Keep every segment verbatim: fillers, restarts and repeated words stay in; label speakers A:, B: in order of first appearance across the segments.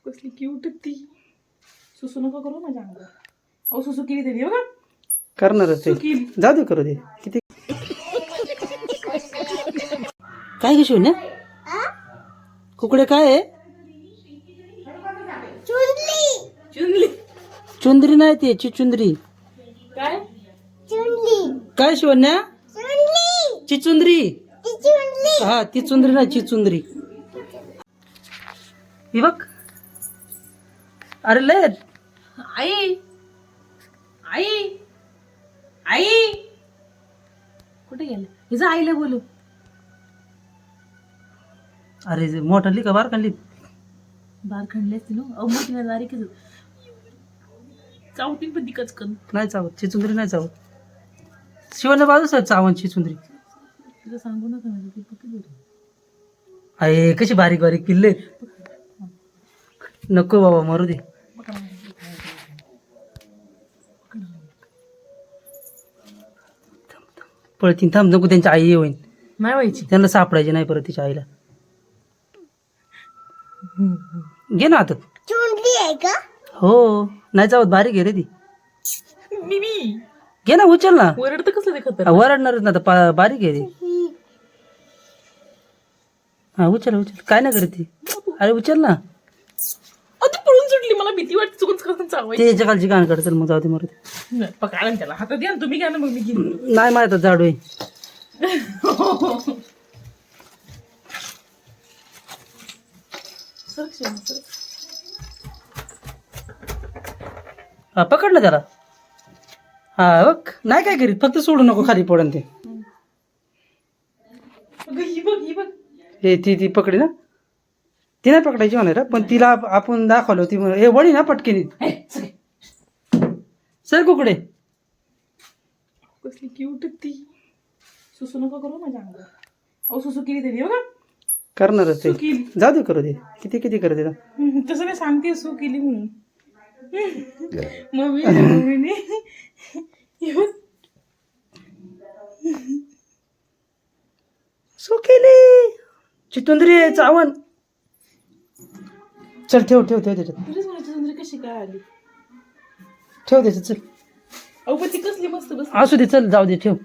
A: कसली क्यूट ती. सुसू नको करू माझ्या अंगावर. अहो सुसू केली तरी बघा.
B: करणारच ते.
A: केली.
B: जाऊ दे करू दे. किती काय घेशील ना कुकडे काय आहे?
A: चुनली.
B: चुंदरी नाही ती चिचुंदरी.
A: काय
B: काय शिवण्या? चिचुंदरी. हा ती चुंदरी नाही चिचुंदरी. ही बघ. अरे लय
A: आई आई आई कुठे गेले? हिचं आईला बोलू.
B: अरे जे मोठाली का बार काढली?
A: बार खणले असतील अहो मोठी ना दारी की चावटी पण दिकच कन
B: नाही चावत चिचुंदरी नाही चावत. शिवण्या बाजूच चावण चिचुंदरी.
A: तुला सांगू नका माझं ती पक्की बोल.
B: अरे कशी बारीक बारीक किल्ले. नको बाबा मारू दे. पळतीन थांब नको त्यांची आई होईन.
A: नाही व्हायची.
B: त्यांना सापडायचे नाही परत तिच्या आईला. घे ना आता. हो नाही चावत बारीक आहे रे ती.
A: मी मी
B: घे ना उचल ना.
A: वरडतं कसं ते खतर.
B: वरडणारच ना आता पा- बारीक आहे ती. हा उचल उचल काय नाही करत ती. अरे उचल ना.
A: अहो ती पळून सुटली मला भीती वाटते चुकून चुकून चावायची.
B: ते याच्या खालची गाण काढ चल मग जाऊ दे मरू दे.
A: नाही, पकडा ना त्याला हातात द्या ना तुम्ही घ्या ना मग मी घेईन.
B: नाही माहित जाडू आहे.
A: सरक शिवण्या, सरक.
B: हा पकड ना त्याला. हा बघ नाही काय करीत फक्त सोडू नको खाली पडन ते.
A: अगं, ही बघ ही बघ.
B: हे ती ती पकडी ना. ती नाही पकडायची म्हणा पण तिला आप- आपण दाखवलं ती म्हणे, हे वडी ना पटकेनी.
A: हे, सगळे.
B: सर कुकडे.
A: कसली क्यूट ती. सुसू नको करू माझ्या अंगावर. अहो सुसू केली तरी बघा.
B: करणारच ते.
A: सू केली.
B: जाऊ दे करू दे. किती किती करते ना.
A: हम्म, तसं नाही सांगते सू केली म्हणून. मम्मी मम्मीने हे बघ.
B: सो केली चितुंदरी आहे चावण. चल ठेव ठेव ठेव त्याच्यात.
A: तुलाच म्हणायची सुंदरी कशी काय आली.
B: ठेव त्याच्यात चल.
A: अहो पण ती कसली मस्त बस.
B: असू दे चल जाऊ दे ठेव.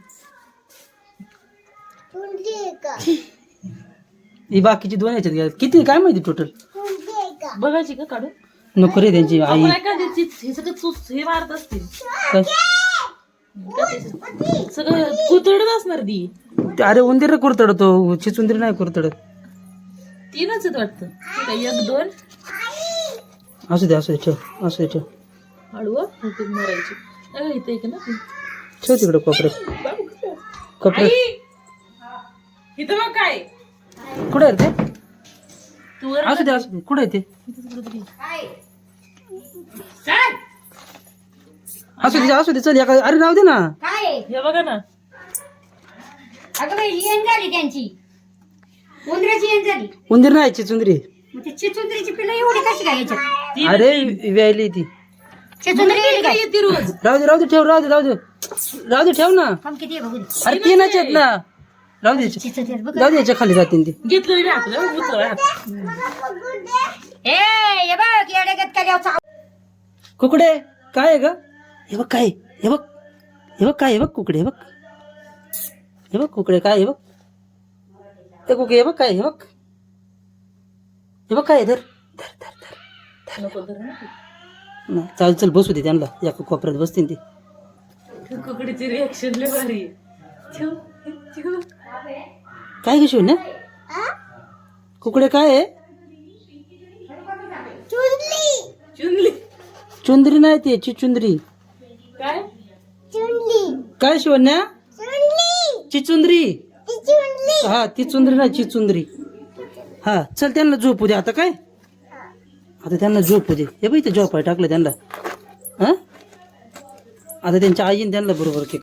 B: ही बाकीची दोन याच्यात घ्या. किती काय माहिती टोटल.
A: बघायची का काढून.
B: नको रे त्यांची आई.
A: आपण काय द्यायची हे सगळं चूस हे मारत असतील.
B: काय?
A: सगळं कुतडत असणार ती.
B: ते अरे उंदीर कुरतडतो चिचुंदरी नाही कुरतडत.
A: तीनच आहेत वाटतं. ठीक आहे, एक दोन
B: असू दे असू दे ठेव असू दे ठेव.
A: हळूवा होते मारायची. अगं इथे एक ना ती.
B: ठेव तिकडे कोपऱ्यात.
A: बाबू कसं?
B: कोपऱ्यात
A: आई! इथं बघ काय.
B: कुठे आहे रे ते.
A: तू वर
B: असू दे असू दे कुठे आहे ते.
A: इथं कुठं तरी. चल.
B: असू दे असू दे चल एका अरे राहू दे ना.
A: हे बघा ना.
C: अगं बाई येण झाली त्यांची. उंदराची येण झाली.
B: उंदीर नाही चिचुंदरी.
C: मग ते चिचुंदरीची पिल्लं एवढी कशी काय याच्यात?
A: ती
B: अरे व्यायली ती.
C: चिचुंदरी गेली काय?
A: येते रोज.
B: राहू दे राहू दे ठेव राहू दे राहू दे राहू दे ठेव ना.
C: थांब किती आहे बघू दे.
B: अरे तीनच आहेत ना. राहू दे याच्या-
C: चिचुंदरी बघ.
B: जाऊ दे याच्या खाली जातील ती.
A: घेतलं मी हातलं उचल हात.
C: ए ये बघ येडे गत केल्यावर
B: कुकडे काय आहे ग. हे बघ काय आहे? हे बघ हे बघ काय आहे? बघ कुकडे हे बघ. हे बघ कुकडे काय आहे? हे बघ ते कुकडे हे बघ काय आहे? हे बघ हे बघ काय आहे? धर धर धर धर
A: नको धर ना.
B: नाही, चाल चल बसू दे त्यांना एका कोपऱ्यात बसतील ते.
A: कुकडीची रिएक्शन लय भारी आहे. ठेव, ठेव.
B: काय घेशील ना कुकडे काय आहे?
A: चुनली.
B: चुंदरी नाही ते चिचुंदरी.
A: काय
B: काय शिवण्या चिचुंदरी. हा ती चुंदरी नाही चिचुंदरी. हा चल त्यांना झोपू दे आता. काय आता त्यांना झोपू दे. हे बाई ते झोपाय टाकलं त्यांना. हा आता त्यांच्या आईने त्यांना बरोबर केलं.